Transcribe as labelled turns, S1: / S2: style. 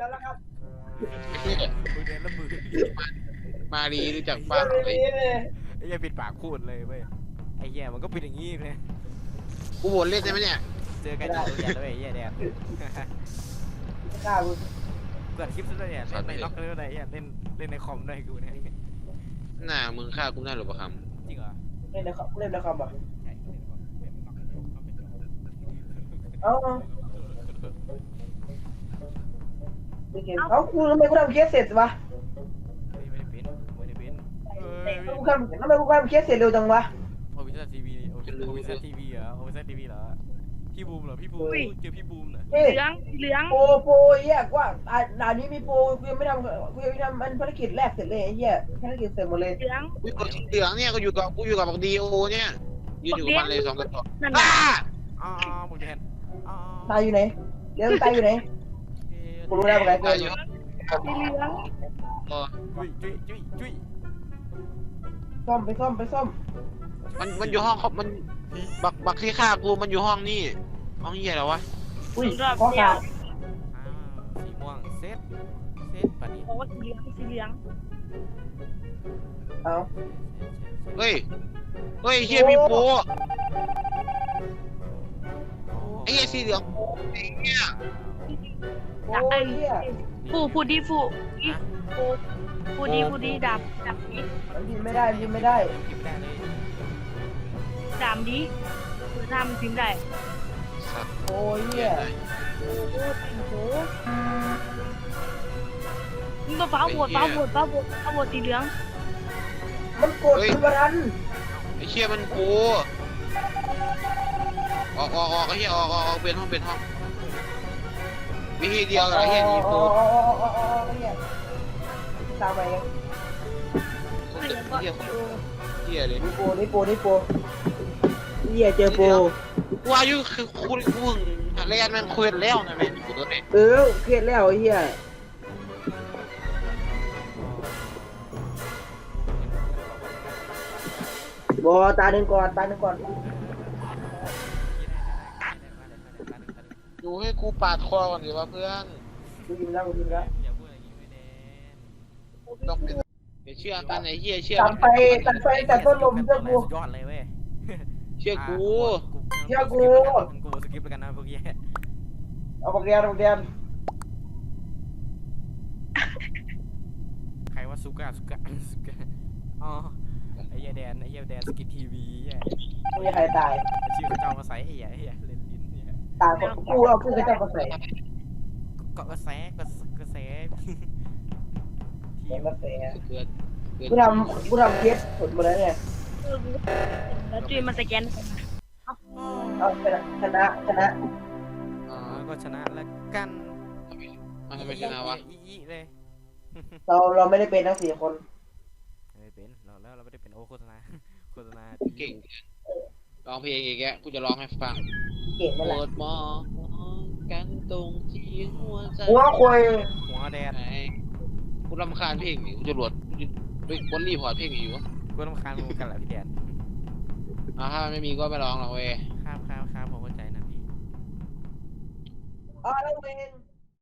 S1: จะแล้วครับ
S2: คุยเดนแล้วมือ
S3: มาดีรู้จักบ้าง
S1: เล
S3: เลย
S1: ย
S2: ไอ้เหี้ยปิดปากพูดเลยเว้ยไอ้เหี้ยมันก็เป็นอย่างงี้เลย
S3: กูโหวตเล่นได้ไหมเนี่ย
S2: เจอกันอยู่โรงเรียนแล้วไอ้เหี้ยแดน
S1: ไม่กล้ากู
S2: เกิดคลิปซะด้วยเนี่ยเล่นในล็อกเลยอะไรเหี้ยเล่นในคอมด้วยกูเนี่ย
S3: หน้ามึงฆ่ากูได้หรือเปล่าค
S2: จริงเหรอ
S1: เล่นในคอมเล่นในคอมอ่ะ
S2: ใช่เล่นในคอมเล่นในล็อกเลย
S1: เอ้าไม่เก่งเอ้ากูทำไมกูทำเคสเสร็จวะ
S2: ไม่ได้เป็น
S1: กูทำทำไมกูทำเคสเสร็จเร็วจังวะ
S2: โอวิซันทีวีโอวิซันทีวีเหรอโอวิซันทีวีเหรอพี่บูมเหรอพี่บูมเจอพี่บูมเหรอ
S1: เฮ้ย
S4: เหลือง
S1: โปรเหี้ยกว่าด่านนี้มีโปรกูยังไม่ทำกูยังไม่ทำมันภารกิจแรกเสร็จเลยไอ้เหี้ยภารกิจเสร็จหมดเลย
S4: เหลือง
S3: ำกูกดสีเหลืองเนี่ยกูอยู่กับบักดีโอเนี่ยยืนอยู่กับมันเลย2 กระสอบ
S4: นั่น
S3: อ้า
S2: อ๋อมึงแทนอ๋อ
S1: ตายอยู่ไหนเดี๋ยวตายอยู่ไหนกูรู้แล้วมึงไงกู
S3: ตายอยู่
S4: สีเหลือง
S3: อ๋อ
S2: จุ้ย
S1: ซ่อมไปซ่อม
S3: มันอยู่ห้องมันบักที่ฆ่ากูมันอยู่ห้องนี่ห้องเหี้ยแล้ววะ
S1: อุ้ย
S4: รอบ
S1: ข้อ
S4: เดีย
S1: ขาว ด
S2: สีม่วงเซตปัดนี้
S4: โอ้สีเหลือง
S1: เอ้า
S3: เฮ้ยเหี้ยมีโปไอ้เหี้ยสีเหลืองไอ้เหี้ย
S1: โอ้ยเหี้ย
S4: ฟูดีดับดี
S1: มันพิมพ์ไม่ได้พิมพ์ไม่ได้
S2: พิมพ์ได้เลย
S4: ดามดีคือทำพิมพ์ได้
S3: สัตว์
S1: โอ้ยเหี้ย
S4: โอ้โหมึงมาฟ้าโหวตสีเหลือง
S1: มันกดมันทัน
S3: ไอ้เหี้ยมันกูออกไอ้เหี้ยออกเป็นห้องวิธีเดียวไอ้เหี้ยหนีกู
S1: เนี่ยตามไปยัง
S3: เหี้ยเลย
S1: นี่โปเหี้ยเจอโป
S3: กูอายุคือคุณกูเรียนมันคุยแล้วนะแม่กูตัวเอง
S1: เครียดแล้วเหี้ยบอตาหนึ่งก่อน
S3: ดูให้กูปาดคอก่อนดิวะเพื่อน
S1: กูยิงแล้ว
S2: อย่าพูดอย่างนี้ไม่แดน
S3: ต้องเป็นอย่าเชื่อกันไอ้เหี้ยเชื่อ
S1: ตัดไฟแต่ต้นลมเชื่อกู
S2: ยอดเลยเว้ย
S3: เชื่อกู
S2: กูสกิปไปกันนะพวกแย่
S1: เอาปากเรียน
S2: ใครว่าสุก้าอ๋อไอ้เหี้ยแดนสกิททีวีแย่
S1: ไม่มีใครตาย
S2: ชื่อเขาเจ้ามาใส่ไอ้เหี้ยเล่นลิ้นเนี่ย
S1: ตายกูเอาขึ้นกระจับกระแส
S2: เกาะกระแสทีม
S1: กระแส
S3: เกิด
S1: กูทำเคสผลหมดแล้วเนี่ย
S4: แล้วจุยมาสแกน
S1: เอาชนะ
S2: ก็ชนะแล้วกัน
S3: มันทำไมชนะวะ
S2: อีเลย
S1: เราไม่ได้เป็นทั้ง4 คน
S2: ไม่เป็นเราไม่ได้เป็นโฆษณา
S3: เก่งร้องเพลงอีกแกกูจะร้องให้ฟัง
S1: เก่งนั่นแห
S3: โปร
S1: ละ
S3: ดมองกันตรงที่หัวใจ
S1: หัวควย
S2: หัวแดน
S3: กูรำคาญเพลงนี่กูจะโหลดบนรีพอร์ตเพลงอยู่วะ
S2: กูต้องคานมึงกันแหละพี่แดน
S3: ถ้ามันไม่มีก็ไม่ร้องหรอกเว้ย
S2: ครับผมเข้าใจนะพี่
S1: แล้วเอง